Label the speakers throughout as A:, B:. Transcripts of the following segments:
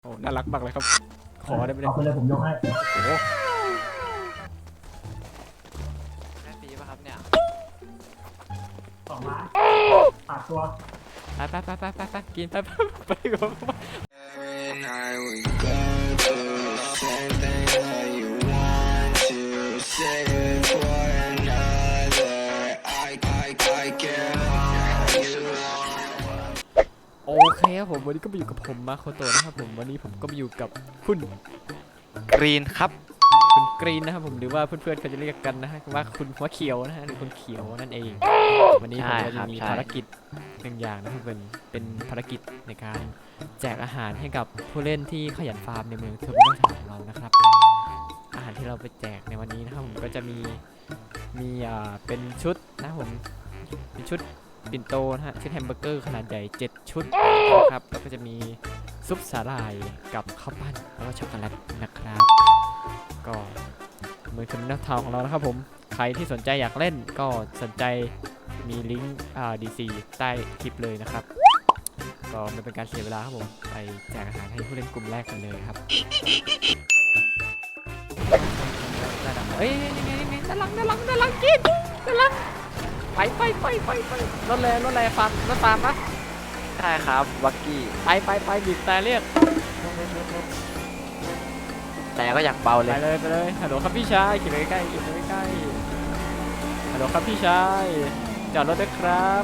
A: โอ้น่ารักมากเลยครับขอได้ไหมเนี่
B: เอา
A: ย
B: ไปเลยผมยกให้
A: โอ้โห
C: ได้ฟรีป่ะครับเนี่ย
B: 2 ล้านปากตัว
A: ไปกินไปก่อน
D: And I would go through the same thing that you want to say it for another. I can't hold you.
A: โอเคครับผมวันนี้ก็มาอยู่กับผมมาโคโตะนะครับผมวันนี้ผมก็มาอยู่กับคุณ
C: กรีนครับ
A: คุณกรีนนะครับผมหรือว่าเพื่อนๆเขาจะเรียกกันนะฮะว่าคุณหัวเขียวนะฮะหรือคุณเขียวนั่นเองวันนี้ผมก็จะมีภารกิจหนึ่งอย่างนะครับเป็นภารกิจในการแจกอาหารให้กับผู้เล่นที่ขยันฟาร์มในเมืองเทอร์มินอลของเรานะครับอาหารที่เราไปแจกในวันนี้นะครับผมก็จะมีเป็นชุดนะครับผมเป็นชุดปิ่นโตนะฮะชุดแฮมเบอร์เกอร์ขนาดใหญ่7 ชุดนะครับแล้วก็จะมีซุปสาหร่ายกับข้าวปั้นแล้วก็ช็อกโกแลตนะครับก็เมืองเทอร์มินอลทาวน์ของเรานะครับผมใครที่สนใจอยากเล่นก็สนใจมีลิงก์DC ใต้คลิปเลยนะครับก็ไม่เป็นการเสียเวลาครับผมไปแจกอาหารให้ผู้เล่นกลุ่มแรกกันเลยครับเอ้ยนี่ด้านหลังกินด้านหลังไปรถแรงฟาร์มรถฟาร์มปะ
C: ใช่ครับวักกี้
A: ไปบีบแต่เรียก
C: แต่ก็อยากเบาเล
A: ไป
C: ย
A: เลยฮัลโหลครับพี่ชายขี่ไปใกล้ฮัลโหลครับพี่ชายจอดรถด้วยครับ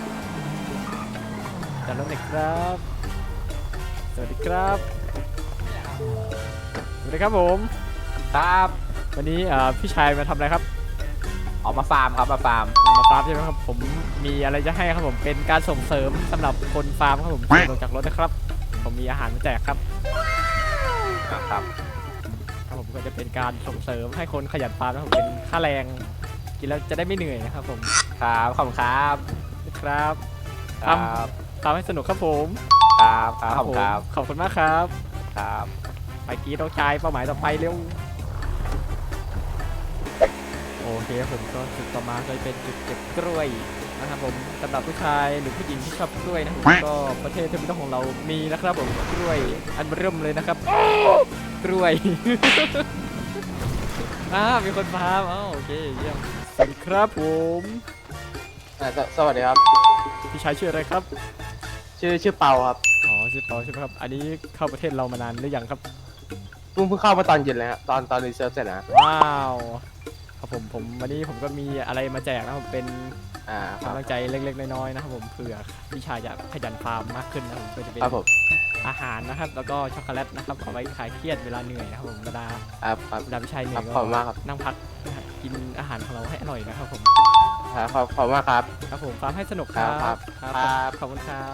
A: จอดรถหน่อยครับสวัสดีครับผม
C: ครับ
A: วันนี้พี่ชายมาทำอะไรครับ
C: ออกมาฟาร์มครับมาฟาร์ม
A: มาฟาร์มใช่ไหมครับผมมีอะไรจะให้ครับผมเป็นการส่งเสริมสำหรับคนฟาร์มครับผมลงจากรถนะครับผมมีอาหารมาแจกครับ
C: ครับ
A: ผมก็จะเป็นการส่งเสริมให้คนขยันฟาร์มนะครับผมเป็นค่าแรงกินแล้วจะได้ไม่เหนื่อยนะครับผม
C: ครับขอบคุณครับ
A: ครับ
C: ครับ
A: ทำให้สนุกครับผม
C: ครับขอบคุณครับ
A: ขอบคุณมากครับ
C: ครับ
A: ไปกีต้องชายเป้าหมายต่อไปเร็วโอเคผมก็จุดต่อมาก็จะเป็นจุดเก็บกล้วยนะครับผมสำหรับผู้ชายหรือผู้หญิงที่ชอบกล้วยนะครับผมก็ประเทศเทอร์มินอลของเรามีนะครับผมกล้วยอันเริ่มเลยนะครับกล้วย มีคนฟาร์มโอเคเยี่ยมสวัสดีครับผม
C: สวัสดีครับ
A: พี่ชายชื่ออะไรครับ
C: ชื่อเปาครับ
A: อ๋อชื่อเปาใช่ไหมครับอันนี้เข้าประเทศเรามานานหรือยังครับ
C: เพิ่งเข้ามาตอนเย็นเลยฮะตอนรีเซิร์ฟเสร็จนะ
A: ว้าวครับผมวันนี้ผมก็มีอะไรมาแจกนะครับเป็น
C: ครั
A: กำ
C: บ
A: ลังใจเล็กๆน้อยๆนะครับผมเผื่อพี่ชายจะขยันฟาร์มมากขึ้นนะครับผมก็จะเป็น
C: ครับผม
A: อาหารนะครับแล้วก็ช็อกโกแลตนะครับเอาไว้คลายเครียดเวลาเหนื่อยนะครับผมเวลา
C: ครับ
A: พี่ชายเหนื่อย
C: ขอบคุณมากครับ
A: นั่งพักนะครับกินอาหารของเราให้อร่อยนะครับผม
C: ขอบคุณมากครับ
A: ครับผมฟาร์มให้สนุกครับ
C: ครับ
A: ขอบคุณครับ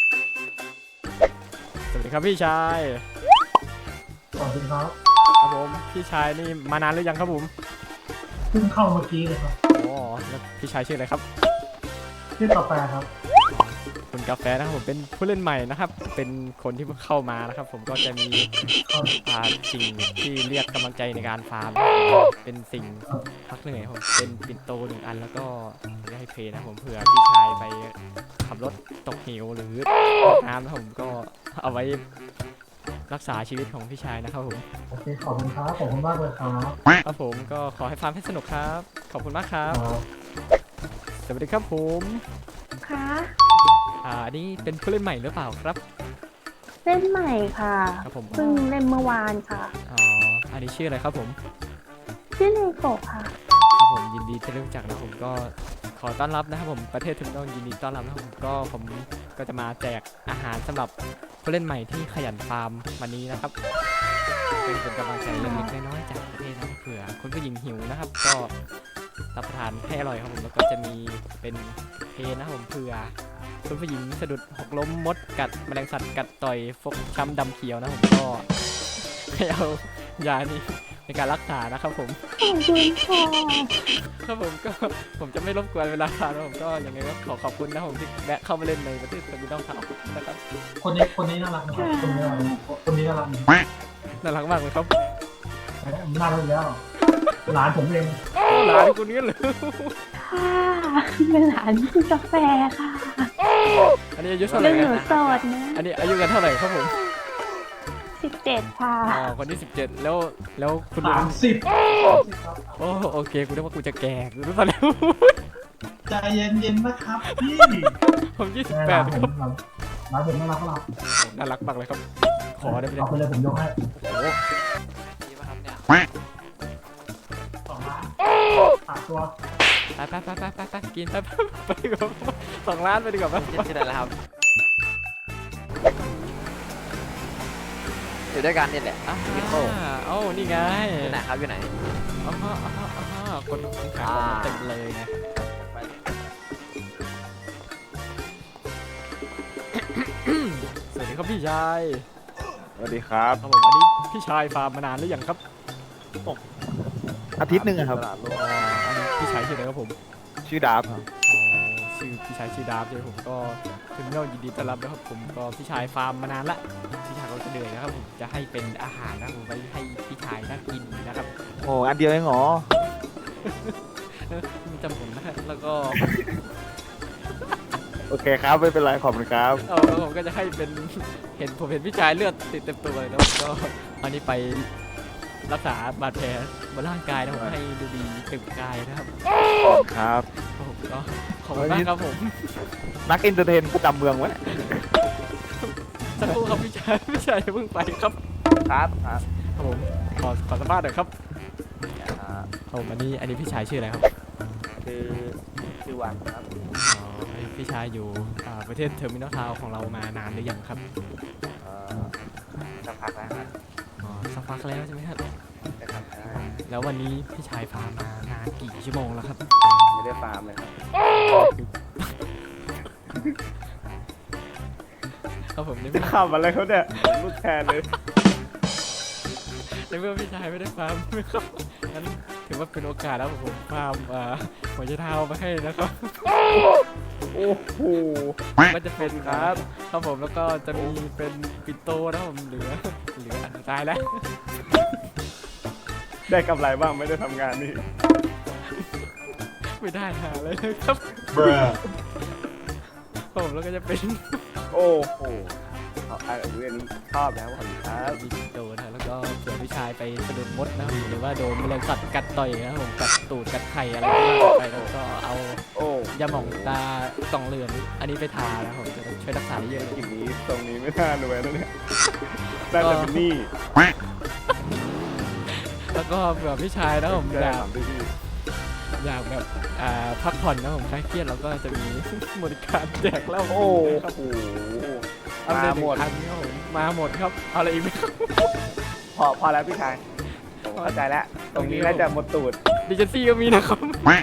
A: สวัสดีครับพี่ชาย
B: สวัสดีครับ
A: ครับผมพี่ชายนี่มานานหรือยังครับผม
B: เพิ่งเข้าเมื่อกี้เลยครับ
A: อ๋อแล้วพี่ชายชื่ออะไรครับ
B: ชื่อกาแฟครับ
A: คุณกาแฟนะครับผมเป็นผู้เล่นใหม่นะครับ เป็นคนที่เพิ่งเข้ามานะครับ ผมก็จะมีสิ่งที่เรียกกำลังใจในการฟาร์มเป็นสิ่งพักเหนื่อยครับผมเป็นปิ่นโต1 อันแล้วก็จะให้เพลนะครับผมเผื่อพี่ชายไปขับรถตกเหวหรือตกน้ำนะครับผมก็เอาไว้รักษาชีวิตของพี่ชายนะครับผม
B: โอเคขอบคุณครับขอบคุณมากเลยครับ
A: ครับผมก็ขอให้ฟาร์มให้สนุกครับขอบคุณมากครับ
B: ครับ
A: สวัสดีครับผม
E: ค่ะ
A: อันนี้เป็นผู้เล่นใหม่หรือเปล่าครับ
E: เล่นใหม่ค่ะ
A: ครับผม
E: เพิ่งเล่นเมื่อวานค่ะ
A: อ๋ออันนี้ชื่ออะไรครับผม
E: ชื่อเนโกะค่ะ
A: ครับผมยินดีที่ได้รู้จักนะผมก็ขอต้อนรับนะครับผมประเทศเทอร์มินอลยินดีต้อนรับนะครับผมก็จะมาแจกอาหารสำหรับผู้เล่นใหม่ที่ขยันฟาร์มวันนี้นะครับเป็นกำลังใจเล็กๆน้อยๆจากประเทศนะเผื่อคุณผู้หญิงหิวนะครับ ก็รับประทานให้อร่อยครับผมแล้วก็จะมีเป็นเพลนะครับผมเผื่อคุณผู้หญิงสะดุดหกล้มมดกัดแมลงสัตว์กัดต่อยฟกช้ำดำเขียวนะผมก็ให้เอายานี้ในการรักษานะครับผม
E: ขอบคุณค่ะ
A: ครับผมก็ผมจะไม่รบกวนเวลาทานนะผมก็ยังไงก็ขอบคุณนะผมที่แวะเข้ามาเล่นในประเทศสวีเดนครับนะครับ
B: คนนี้น่ารักนะครับคนนี้น่ารัก
A: น่ารักมากเลยครับ
B: น่ารักแล้วหลานผมเอง
A: หลานคนนี้เลย
E: ค่ะเป็นหลานคุณกาแฟค่ะ
A: อันนี้อายุเท่าไห
E: เรื่
A: ร่
E: องหนู
A: นะ
E: โสดนะ
A: อันนี้อายุกันเท่าไหร่ครับผม
E: 17 ค่ะ
A: อ๋อคนที่17แล้วคุณลุง
B: 30
A: โอ้โอเคกูนึกว่ากูจะแก่กูรู้ตอนแล้ว
B: ใจเย็นๆนะครับพี่
A: ผม
B: ร้าน
A: 28
B: ผ
A: ครับ
B: มร้านผมน่ารักเปล่า
A: น่ารักมากเลยครับ ขอได้ไหม
B: เอาไปเลยผมยกให้
A: ดีป่ะครับเนี่ย
B: 2 ล้านฝากตัว
A: ไปกินไปดีกว่า2 ล้านไปดีกว่าไหม
F: ที่ไหนแล้วครับ อยู่ด้วยกันนี่แหละ พี่โก้
A: เอ้านี่ไง
F: อยู่ไหนครับอยู่ไหน
A: อ๋อคนขายของเต็มเลยไงสวัสดีครับพี่ชาย
G: สวัสดีครับ
A: ครับผมอันนี้พี่ชายฟาร์มมานานหรือยังครับ
G: อาทิตย์หนึ่งอะครับ
A: อ๋ออันนี้พี่ชายชื่ออะไรครับผม
G: ชื่อดาบครับ
A: อ๋อชื่อพี่ชายชื่อดาบเลยผมก็ถึงเรื่องยินดีต้อนรับนะครับผมก็พี่ชายฟาร์มมานานละพี่ชายเขาจะเหนื่อยนะครับผมจะให้เป็นอาหารนะครับผมไว้ให้พี่ชายน่ากินนะครับ
G: โอ้อันเดียวเองเหรอ
A: มีจำผมนะฮะแล้วก็
G: โอเคครับ ไม่เป็นไร ขอบคุณครับ
A: แล้วผมก็จะให้เป็นผมเห็นพี่ชายเลือดติดเต็มตัวเลยแล้วก็อันนี้ไปรักษาบาดแผลบนร่างกายนะผมให้ดูดีเต็มกายนะครับ
G: ครับ
A: ผมก็ขอบคุณมากครับผม
G: นักเอนเตอร์เทนประจำเมืองไว้
A: สักครู่ครับพี่ชายอย่าเพิ่งไปครับ
G: ครับครับ
A: ครับผมขอสัมภาษณ์หน่อยครับครับผมอันนี้พี่ชายชื่ออะไรครับ
G: ชื่อวันครับ
A: อ๋อพี่ชายอยู่ประเทศเทอร์มินอลทาวน์ของเรามานานหรือยังครับ
G: สักพักแล้วครับ
A: อ๋อสักพักแล้วใช่ไหมครับ
G: นะครับ
A: แล้ววันนี้พี่ชายฟาร์มมานานกี่ชั่วโมงแล้วครับ
G: ไม่ได้ฟาร์มเลยครับ
A: ครับผมใน
G: จะ
A: เมื่อ
G: ขับอะไรเขาเนี่ยลูกแทนเลย
A: ในเมื่อพี่ชายไม่ได้ฟาร์มครับงั้นถือว่าเป็นโอกาสแล้วผมฟาร์มหัวใจเท้ามาให้นะครับ
G: โอ้โห
A: ก็จะเป็นครับผมแล้วก็จะมีเป็นปินโตนะครับผมเหลือตายแล้ว
G: ได้กำไรบ้างไม่ได้ทำงานนี่
A: ไม่ได้หาเลยครับ
B: Bruh
A: ผมแล้วก็จะเป็น
G: โอ้โหเรื่องนี้ชอบแล้วขอบคุณครับ
A: มีปินโตนะแล้วก็เผื่อพี่ชายไปสะดุดมดนะครับหรือว่าโดนแมลงสัตว์กัดต่อยนะครับผมกัดตูดกัดไข่อะไรก็ว่าไปแล้วก็เอา
G: โอ้
A: ยาหม่องตากล่องเหลืองอันนี้ไปทานะผมจะช่วยรักษาได้เยอะเลย
G: กินนี้ตรงนี้ไม่น่ารวยนะเนี่ยน่าจะเป็นหนี้
A: แล้วก็เผื่อพี่ชายนะผม
G: ได้ถามพี่
A: อยากแบบพักผ่อนนะผมคลายเครียดเราก็จะมี บริการแจกเหล้า
G: โอ้
A: ครับ
G: โห
A: เอาเลย
G: มาหมด
A: 1,000ครับผมมาหมดครับเอาอะไรอีกไหมครับ
G: พอแล้วพี่ชายผมเข้าใจแล้ว ตรงนี้น่าจะหมดตูด
A: ดิจิซี่ก็มีนะครับ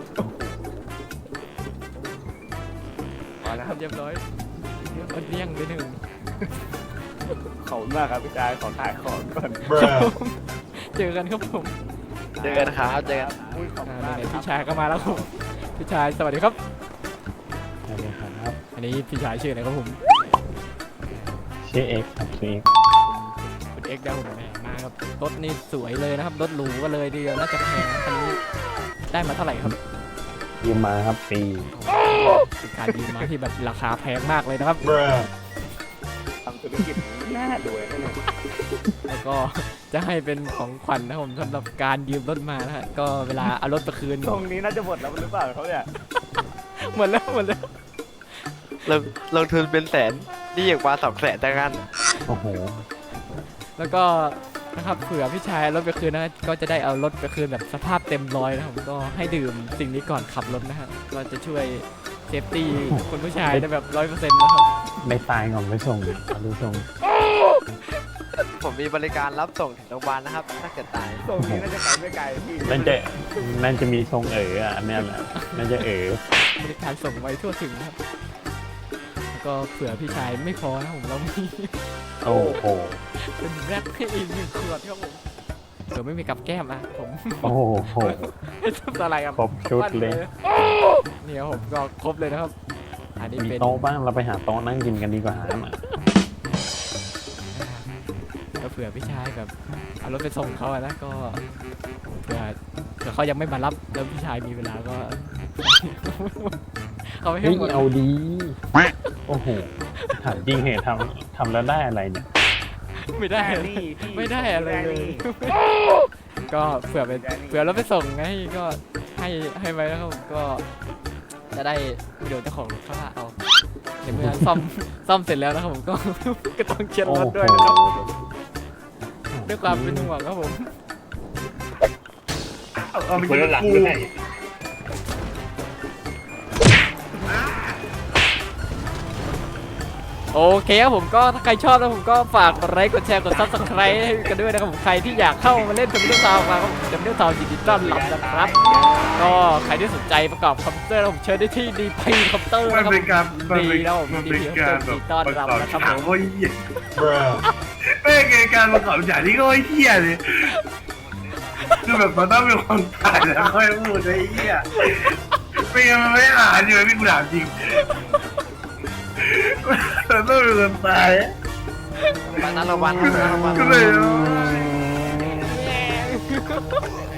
G: พอแล้วครับ
A: เรียบร้อยเอาเลี่ยงไปหนึ่ง
G: ขอบคุณมากครับพี่ชายขอขายของก่อน
B: Bruh
A: เจอกันครับผม
F: เจอกันครับเจอกัน
G: อุ้ยขอบคุณ
A: ไห
G: มาก
A: น
G: เลย
A: ๆ
G: ครั
A: พี่
G: บ
A: ชายก็มาแล้วครับพี่ชายสวัสดีครับ
H: สวัสดีครับ
A: อันนี้พี่ชายชื่ออะไรครับผม
H: ชื่อเอ็กซ์ครับชื่อเอ็กซ์
A: คุณเอ็กซ์ดาวผมแหมมาครับรถนี่สวยเลยนะครับรถหรูก็เลยทีเดียวน่าจะแพงนะคันนี้ได้มาเท่าไหร่ครับ
H: ยืมมาครับปี
A: เป็นการยืมมาที่แบบราคาแพงมากเลยนะครับ
B: Bruh
G: ทำธุรกิจนี้น่ารวยนะเนี่ย
A: แล้วก็จะให้เป็นของขวัญนะครับผมสำหรับการยืมรถมานะฮะก็เวลาเอารถไปคืน
G: ตรงนี้น่าจะหมดแล้วหรือเปล่าเขาเนี่ย
A: หมดแล้ว
F: ลงทุนเป็นแสนนี่อย่างมา200,000แต่งงาน
H: โอ้โห
A: แล้วก็นะครับเผื่อพี่ชายเอารถไปคืนนะก็จะได้เอารถไปคืนแบบสภาพเต็มร้อยนะครับผมก็ให้ดื่มสิ่งนี้ก่อนขับรถนะฮะก็จะช่วยเซฟตี้คุณผู้ชายได้แบบ100%นะครับ
H: ไม่ตายก่อนไปส่งเอาดูส่ง
F: ผมมีบริการรับส่งถึงโรงพยาบาลนะครับ ถ้าเกิดตาย
G: ตรงนี้น่าจะไปไม่ไกลพี่
H: นั่นจะมีทรงอ่ะอันเนี้ยแหละนั่นจะ
A: บริการส่งไว้ทั่วถึงนะครับแล้วก็เผื่อพี่ชายไม่พอนะผมเรามี
H: โอ้โห
A: เป็นแรปให้อีก1 ขวดครับผมเผื่อไม่มีกับแก้มอ่ะผม
H: โอ้โห
A: ไม่ทำอะไรครับ
H: ครบชุดเลย
A: นี่ครับผมก็ครบเลยนะครับ อันนี้
H: มี
A: เป็น
H: โต๊ะบ้างเราไปหาโต๊ะนั่งกินกันดีกว่าอ่ะ
A: ก็เผื่อพี่ชายแบบเอารถไปส่งเขาอะนะก็เผื่อเขายังไม่มารับแล้วพี่ชายมีเวลาก็ เขาไม่ให้
H: เฮ้ย
A: หมด
H: เอาดี โอ้โหถามจริงเหตุทำแล้วได้อะไรเนี่ย
A: ไม่ได้
G: แดนนี่พี่
A: ไม่ได้อะไร
G: แดน
A: เลย
G: นี่
A: ก็เผื่อไป
G: แดนนี่
A: เผื่อรถไปส่งไงก็ให้ไว้แล้วครับผมก็จะได้เดี๋ยวเจ้าของรถเขาว่าเอาเดี๋ยวเมื่อซ่อมเสร็จแล้วนะครับผมก็ ก็ต้องเช็ดรถด้วยนะครับด้วยความเป็นห่วงครับผม
G: เอาไป
H: คน
G: ยิ
H: ละ
G: ง
H: หลัง
G: กู
H: ด้วย
A: โอเคครับผมก็ถ้าใครชอบนะผมก็ฝากกดไลค์กดแชร์กด Subscribe ให้กันด้วยนะครับผมใครที่อยากเข้ามาเล่นดัมเบิลทาวน์มาก็ดัมเบิลทาวน์ยินดีต้อนรับนะครับ ก็ใครที่สนใจประกอบคอมพิวเตอร์ผมเชิญได้ที่ดีพีคอมพิวเตอร์
I: มั
A: นะ
I: น
A: ครับ
I: เป็นการ
A: ดีแล้วผม
I: มัน
A: ดี
I: เป็น
A: พีคอมพิว
I: กา
A: เตอ
I: ร
A: ร์
I: แบบ
A: ยินดีต้อนรับนะครับผม
I: โอ้ยเหี้ยไม่เกิดการประกอบฉากที่โอ้ยเหี้ยเลยคือแบบมันต้องมีคนตายแล้วค่อยพูดไอ้เหี้ยไม่งั้นมันไม่อ่านอยู่พี่กูถามจริงมันต้องมีคนตาย
F: วันนั้นระวังนะระวัง
I: ก็เลย